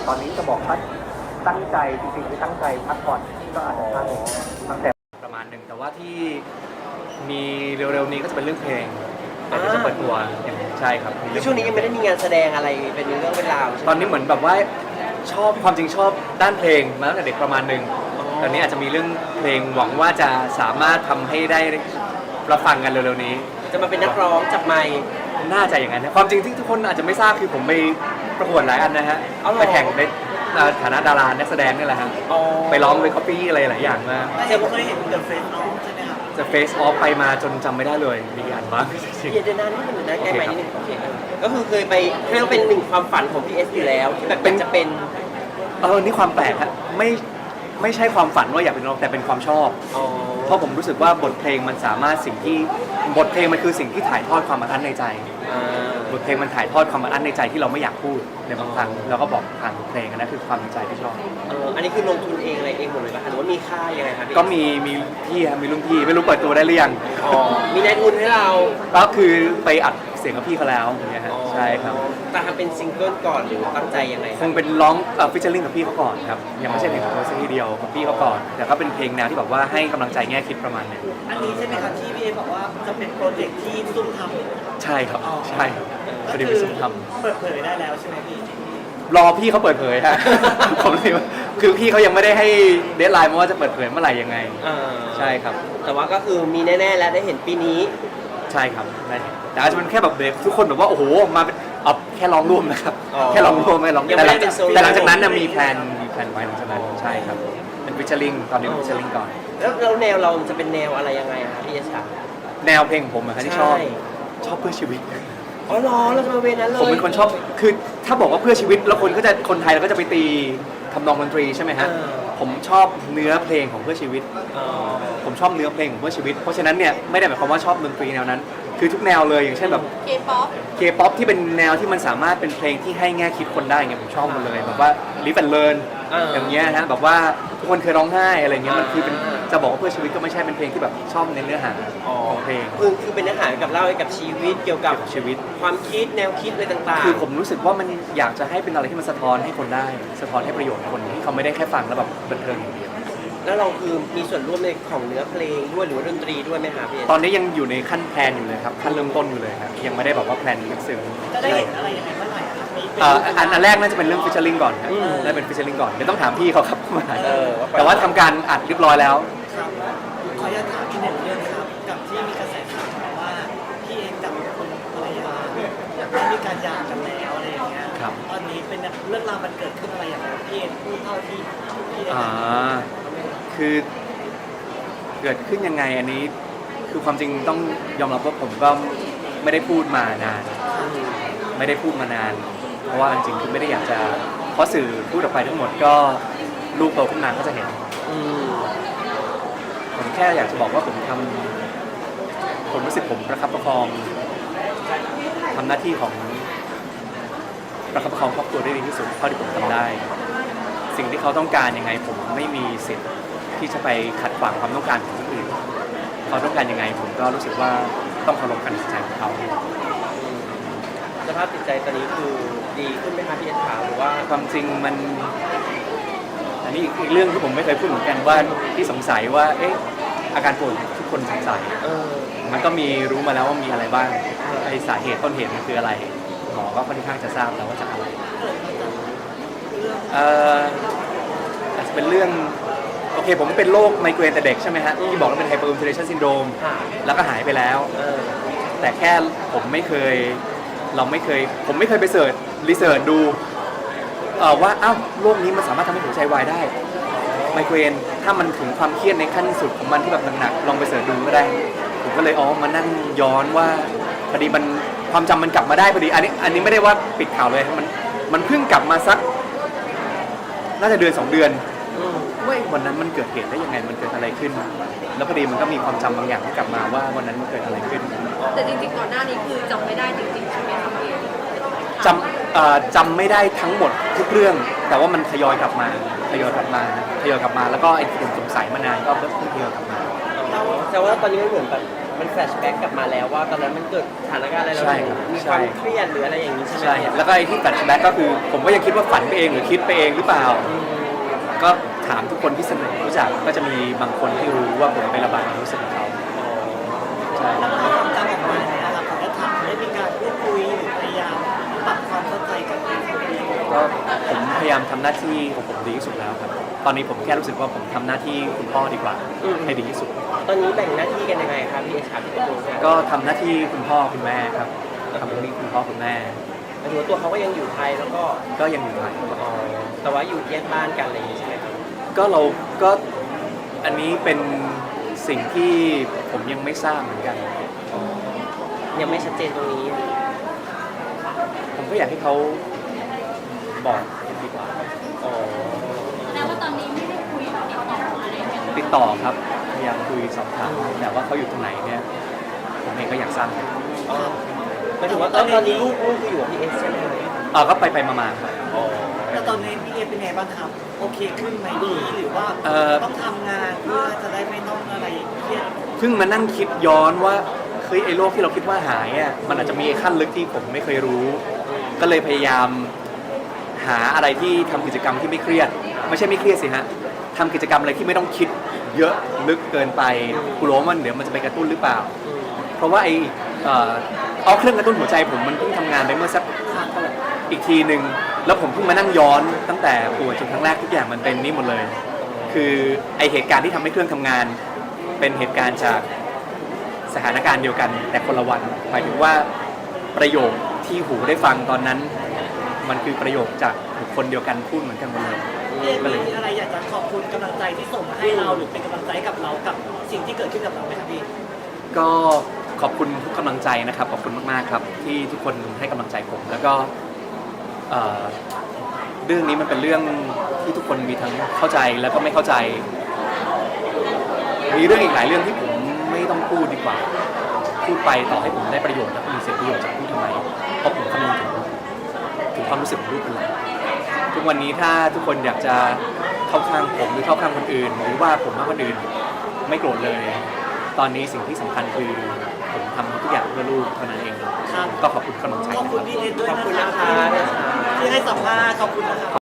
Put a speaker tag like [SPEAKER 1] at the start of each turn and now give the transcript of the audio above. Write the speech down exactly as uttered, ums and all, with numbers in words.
[SPEAKER 1] ตอนนี้จะบอกว่าตั้งใจจริงๆไม่ตั้งใจพักผ่อนก็อาจจะพักตั้งแต่ประมาณหนึ่งแต่ว่าที่มีเร็วๆนี้ก็จะเป็นเรื่องเพลงแต่เดี๋ยวจะเปิดตัวอย่างใช่ครับ
[SPEAKER 2] คือช่วงนี้ยังไม่ได้มีงานแสดงอะไรเป็นเรื่องเป็นราว
[SPEAKER 1] ตอนนี้เหมือนแบบว่าชอบความจริงชอบด้านเพลงมาตั้งแต่เด็กประมาณหนึ่งตอนนี้อาจจะมีเรื่องเพลงหวังว่าจะสามารถทำให้ได้รับฟังกันเร็วๆนี้
[SPEAKER 2] จะมาเป็นนักร้องจับไมค์
[SPEAKER 1] น่าจะอย่างนั้นนะความจริงที่ทุกคนอาจจะไม่ทราบคือผมไปประกวดหลายอันนะฮะไปแข่งในฐานะดารานักแสดงนี่แหละฮะไปร้องไปคัปปี้อะไรหลายอย่างมาก
[SPEAKER 2] แต่ผมเคยเห็นเดอะเฟซออฟใช่ไหมครับ
[SPEAKER 1] จะเฟซออฟไปมาจนจำไม่ได้เลยมีอันบ้าง
[SPEAKER 2] เดี๋ยวนั้นนี่มันนะแก้ใหม่นิดนึงก็คือเคยไปเรียกว่าเป็นหนึ่งความฝันของพีเอสอยู่แล้วที่แบบเป็นจะเป็น
[SPEAKER 1] เออนี่ความแปลกฮะไม่ไม่ใช่ความฝันว่าอยากเป็นนักร้องแต่เป็นความชอบเพราะผมรู้สึกว่าบทเพลงมันสามารถสิ่งที่บทเพลงมันคือสิ่งที่ถ่ายทอดความอัดอั้นในใจบทเพลงมันถ่ายทอดความอัดอั้นในใจที่เราไม่อยากพูดในบางครั้งเราก็บอกผ่านเพลงนั่นคือความในใจที่ชอบ
[SPEAKER 2] อันนี้คือลงทุนเองอะไรเองหมดเลยป่ะหรือว่ามีค่ายังไงครับ
[SPEAKER 1] ก็มีมีพี่ครับมีรุ่นพี่ไม่รู้เปิดตัวได้หรือยัง
[SPEAKER 2] มีนายทุนให้เรา
[SPEAKER 1] ก็คือไปอัดเสียงกับพี่เขาแล้วอย่างเงี้ยฮะใช่ครับ
[SPEAKER 2] แต่ทำเป็นซิงเกิลก่อนหรือตั้งใจยังไง
[SPEAKER 1] คงเป็นร้องฟิชเชอร์ลิงกับพี่เขาก่อนครับยังไม่ใช่เพลงของเราสักทีเดียวกับพี่เขาก่อนแต่ก็เป็นเพลงแนวที่แบบว่าให้กำลังใจแง่คิดประมาณนึง
[SPEAKER 2] อันนี้ใช่ไหมครับที่พี่เอบอกว่าจะเป็นโปรเจกต์ที่ซุ่มทำ
[SPEAKER 1] ใช่ครับใช่พอดีไปซุ่มท
[SPEAKER 2] ำเปิดเผยได้แล้วใช่ไหมพี่
[SPEAKER 1] รอพี่เขาเปิดเผยฮะผมเลยคือพี่เขายังไม่ได้ให้เดดไลน์มาว่าจะเปิดเผยเมื่อไหร่ยังไงใช่ครับ
[SPEAKER 2] แต่ว่าก็คือมีแน่ๆแล้วได้เห็นปีนี้
[SPEAKER 1] ใช่ครับได้แต่อาจจะเป็นแค่แบบเด็กทุกคนแบบว่าโอ้โหมาเป็นเอาแค่ร้องร่วมนะครับแค่ร้องร่วมไม่ร้องแต่หลังแต่หลังจากนั้นนะมีแพลนมีแพลนไว้หลังจากนั้นใช่ครับเป็นฟิชเชอร์ลิงตอนนี้ฟิชเชอร์ลิงก่อน
[SPEAKER 2] แล้วเราแนวเราจะเป็นแนวอะไรยังไงครับพี่เอชา
[SPEAKER 1] แนวเพลงผมอะครับที่ชอบชอบเพื่อชีวิต
[SPEAKER 2] อ๋อเหรอเราจะมาเวนั้นเลย
[SPEAKER 1] ผมเป็นคนชอบคือถ้าบอกว่าเพื่อชีวิตแล้วคนก็จะคนไทยเราก็จะไปตีทำนองดนตรีใช่ไหมฮะผมชอบเนื้อเพลงของเพื่อชีวิตผมชอบเนื้อเพลงของเพื่อชีวิตเพราะฉะนั้นเนี่ยไม่ได้หมายความว่าชอบดนตรีแนวนั้นคือทุกแนวเลยอย่างเช่นแบบ
[SPEAKER 3] เคป๊อป
[SPEAKER 1] เคป๊อปที่เป็นแนวที่มันสามารถเป็นเพลงที่ให้แง่คิดคนได้เงี้ยผมชอบหมดเลยแบบว่า Live and Learn อย่างเงี้ยฮะแบบว่าทุกคนเคยร้องไห้อะไรเงี้ยมันคือเป็นจะบอกว่าเพื่อชีวิตก็ไม่ใช่เป็นเพลงที่แบบชอบในเนื้อหาของเพลง
[SPEAKER 2] คือคือเป็นเนื้อหากับเล่าเกี่ยวกับชีวิตเกี่ยวกับ
[SPEAKER 1] ชีวิต
[SPEAKER 2] ความคิดแนวคิดอะไรต่างๆ
[SPEAKER 1] คือผมรู้สึกว่ามันอยากจะให้เป็นอะไรที่มันสะท้อนให้คนได้สะท้อนให้ประโยชน์คนที่เขาไม่ได้แค่ฟังแล้วแบบบันเทิงอย่างเดียว
[SPEAKER 2] แล้วเราคือมีส่วนร่วมในของเนื้อเพลงด้วยหรือว่าดนตรีด้วยไหมครับพี่
[SPEAKER 1] ตอนนี้ยังอยู่ในขั้นแพลนอยู่เลยครับขั้นเริ่มต้นอยู่เลยครับยังไม่ได้บอกว่าแพลนลึกซึ้ง
[SPEAKER 2] จะได้เห็นอะไรยังไงเมื่อไหร่ครับ
[SPEAKER 1] อันอันแรกน่าจะเป็นเรื่องฟิชเชอร์ลิงก่อนครับได้เป็นฟิชเชอร์ลิงก่อนเดี๋ยวต้องถามพี่เขาครับมาแต่ว่าทำการอัดเรียบร้อยแล้ว
[SPEAKER 2] ครับขออนุญาตถามพี่หนึ่งเรื่องครับกับที่มีกระแสข่าวมาว่าพี่เองกับคุณภรรยาได้มีการหย่ากันแล้วอะไรอย่างเงี้ยตอนนี้เป็นเรื่องราวมันเกิดขึ้นอะไรอย่างเงี้ยพี่เองพูดเท่าที่พี่
[SPEAKER 1] อ่าคือเกิดขึ้นยังไงอันนี้คือความจริงต้องยอมรับว่าผมก็ไม่ได้พูดมานานไม่ได้พูดมานานเพราะว่าจริงๆคือไม่ได้อยากจะเพราะสื่อพูดออกไปทั้งหมดก็ลูกโตขึ้นมาก็จะเห็นผมแค่อยากจะบอกว่าผมทำผมรู้สึกผมประคับประคองทำหน้าที่ของประคับประคองครอบครัวได้ดีที่สุดเท่าที่ผมทำได้สิ่งที่เขาต้องการยังไงผมไม่มีสิทธิ์ที่จะไปขัดขวางความต้องการของคนอื่นเขาต้องการยังไงผมก็รู้สึกว่าต้องเคารพการตัดสินใจของเขา
[SPEAKER 2] สภาพจิตใจตอนนี้คือดีขึ้นไหมคะพี่เอชาหรือว่า
[SPEAKER 1] ความจริงมันอันนี้อีกเรื่องที่ผมไม่เคยพูดเหมือนกันว่าที่สงสัยว่าเอ๊ะอาการป่วยทุกคนสงสัยมันก็มีรู้มาแล้วว่ามีอะไรบ้างไอ้สาเหตุต้นเหตุมันคืออะไรหมอก็ค่อนข้างจะทราบแล้วว่าจากอะไรเอ่ออาจจะเป็นเรื่องโอเคผมเป็นโรคไมเกรนแต่เด็กใช่ไหมฮะที่บอกว่าเป็นไฮเปอร์อินฟลาชันซินโดรมแล้วก็หายไปแล้วแต่แค่ผมไม่เคยเราไม่เคยผมไม่เคยไปเสิร์ชรีเสิร์ชดูว่าอ้าวโรคนี้มันสามารถทำให้หัวใจวายได้ไมเกรนถ้ามันถึงความเครียดในขั้นสุดของมันที่แบบหนักๆลองไปเสิร์ชดูก็ได้ผมก็เลยอ๋อมานั่งย้อนว่าพอดีมันความจำมันกลับมาได้พอดีอันนี้อันนี้ไม่ได้ว่าปิดข่าวเลยมันมันเพิ่งกลับมาสักน่าจะเดือนสองเดือนว่าวันนั้นมันเกิดเหตุได้ยังไงมันเกิดอะไรขึ้นแล้วพอดีมันก็มีความจำบางอย่างที่กลับมาว่าวันนั้นมันเกิดอะไรขึ้น
[SPEAKER 3] แต่จริงๆก่อนหน้านี้คือจำไม่ได้จริงๆใช่ไหมครับพี่
[SPEAKER 1] จำจำไม่ได้ทั้งหมดทุกเรื่องแต่ว่ามันทยอยกลับมาทยอยกลับมาทยอยกลับมาแล้วก็ไอ้ผมสงสัยมานานก็เพิ่งทยอยกลับมา
[SPEAKER 2] แต่ว่าตอนนี้มันเหมือนแบบม
[SPEAKER 4] มันแฟลชแบ็กกลับมาแล้วว่าตอนนั้นมันเกิดสถานการณ์อะไรเรา
[SPEAKER 1] ใช่
[SPEAKER 4] อยู่
[SPEAKER 1] ครับ
[SPEAKER 4] มี
[SPEAKER 1] ใช่
[SPEAKER 4] ความเครียดหรืออะไรอย่างนี้ใช่ไหม
[SPEAKER 1] ใช่ แล้วก็ไอ้ที่แฟลชแบ็กก็คือผมก็ยังคิดว่าฝันไปเองหรือคิดไปเองหรือเปล่า
[SPEAKER 4] อืม
[SPEAKER 1] ก็ถามทุกคนที่สนิทรู้จักก็จะมีบางคนที่รู้ว่าผมไประบายความรู้สึกของเขาใช่
[SPEAKER 2] แล้วพอความจำออกมาเนี่ยครับขออนุญาตถามได้มีการพูดคุยหรือพยายามปรับความเข้าใจกันไหมครับพี่
[SPEAKER 1] ก็ผมพยายามทำหน้าที่ของผมดีที่สุดแล้วครับ ตอนนี้ผมแค่รู้สึกว่าผมทำหน้าที่คุณพ่อดีกว่าให้ดีที่สุด
[SPEAKER 4] ตอนนี้แบ่งหน้าที่กันยังไงครับพี่เอชครับพี่ตูนครับ
[SPEAKER 1] ก็ทำหน้าที่คุณพ่อคุณแม่ครับทำหน้าที่คุณพ่อคุณแม่
[SPEAKER 4] หมายถึงว่าตัวเขาก็ยังอยู่ไทยแล้วก็
[SPEAKER 1] ก็ยังอยู่ไทย
[SPEAKER 4] อ๋อแต่ว่าอยู่แยกบ้านกันอะไรอย่างนี้ใช่ไหมครับ
[SPEAKER 1] ก็เราก็อันนี้เป็นสิ่งที่ผมยังไม่ทราบเหมือนกัน
[SPEAKER 4] ยังไม่ชัดเจนตรงนี้
[SPEAKER 1] ผมก็อยากให้เขาบอกดีกว่า
[SPEAKER 4] อ๋อ
[SPEAKER 3] แล้วว่าตอนนี้ไม่ได้คุยติดต่ออะไรกัน
[SPEAKER 1] ติดต่อครับพยายามคุยสอบถามแต่ว่าเขาอยู่ตรงไหนเนี่ยผมเองก็อยากทราบ
[SPEAKER 4] หมายถึงว่าตอนนี้ลูกลูกคืออยู่กับพี่เอสใช่ไหมครับ
[SPEAKER 1] เออก็ไปไปๆมาๆครับ
[SPEAKER 4] อ๋อ
[SPEAKER 2] แล้วตอนนี้พี่เอเป็นไงบ้างครับ โอเคขึ้นไหมดีหรือว่า
[SPEAKER 1] เอ่อ
[SPEAKER 2] ต้องทำงานเพื่อจะได้ไม่ต้องอะไรเครียด
[SPEAKER 1] เพิ่งมานั่งคิดย้อนว่าเฮ้ยไอ้โรคที่เราคิดว่าหายอ่ะมันอาจจะมีขั้นลึกที่ผมไม่เคยรู้ ก็เลยพยายามหาอะไรที่ทำกิจกรรมที่ไม่เครียด ไม่ใช่ไม่เครียดสิฮะทำกิจกรรมอะไรที่ไม่ต้องคิดเยอะลึกเกินไปกลัวว่ามันเดี๋ยวมันจะไปกระตุ้นหรือเปล่า เพราะว่าไอ้เอ่อเอาเครื่องกระตุ้นหัวใจผมมันเพิ่งทำงานไปเมื่อสักอีกทีหนึ่งแล้วผมเพิ่งมานั่งย้อนตั้งแต่ป่วยจนครั้งแรกทุกอย่างมันเป็นนี่หมดเลย คือไอเหตุการณ์ที่ทำให้เครื่องทำงาน เป็นเหตุการณ์จากสถานการณ์เดียวกัน แต่คนละวันหมายถึงว่าประโยคที่หูได้ฟังตอนนั้น มันคือประโยคจากบุคคลเดียวกันพูดเหมือนกันหมดเลย
[SPEAKER 2] พี่เอมีอะไรอยากจะขอบคุณกำลังใจที่ส่งมาให้เราหรือเป็นกำลังใจให้กับเรากับสิ่งที่เกิดขึ้นกับเราไหมครับพี่
[SPEAKER 1] ก็ขอบคุณทุกกำลังใจนะครับขอบคุณมากๆครับ ที่ทุกคนให้กำลังใจผม แล้วก็เอ่อเรื่องนี้มันเป็นเรื่องที่ทุกคนมีทั้งเข้าใจแล้วก็ไม่เข้าใจ มีเรื่องอีกหลายเรื่องที่ผมไม่ต้องพูดดีกว่า พูดไปต่อให้ผมได้ประโยชน์และมีเสียประโยชน์จากพูดทำไมเพราะผมคำนึงถึงถึงความรู้สึกของลูกเป็นหลักทุกวันนี้ถ้าทุกคนอยากจะเข้าข้างผมหรือเข้าข้างคนอื่น หรือว่าผมมากคนอื่นไม่โกรธเลย ตอนนี้สิ่งที่สำคัญคือผมทำทุกอย่างเพื่อลูกเท่านั้นเอง
[SPEAKER 2] ครับ
[SPEAKER 1] ก็ขอบคุณกำลังใจ
[SPEAKER 2] ขอบ
[SPEAKER 1] นะค
[SPEAKER 2] คุณ
[SPEAKER 1] รับ
[SPEAKER 2] พี่เอด้วย
[SPEAKER 4] ขอบ
[SPEAKER 2] นะ
[SPEAKER 4] คุณ
[SPEAKER 2] ครั
[SPEAKER 4] นะ
[SPEAKER 2] บ
[SPEAKER 4] คะ
[SPEAKER 2] ที่ให้สัมภาษณ์ขอบคุณนะครับ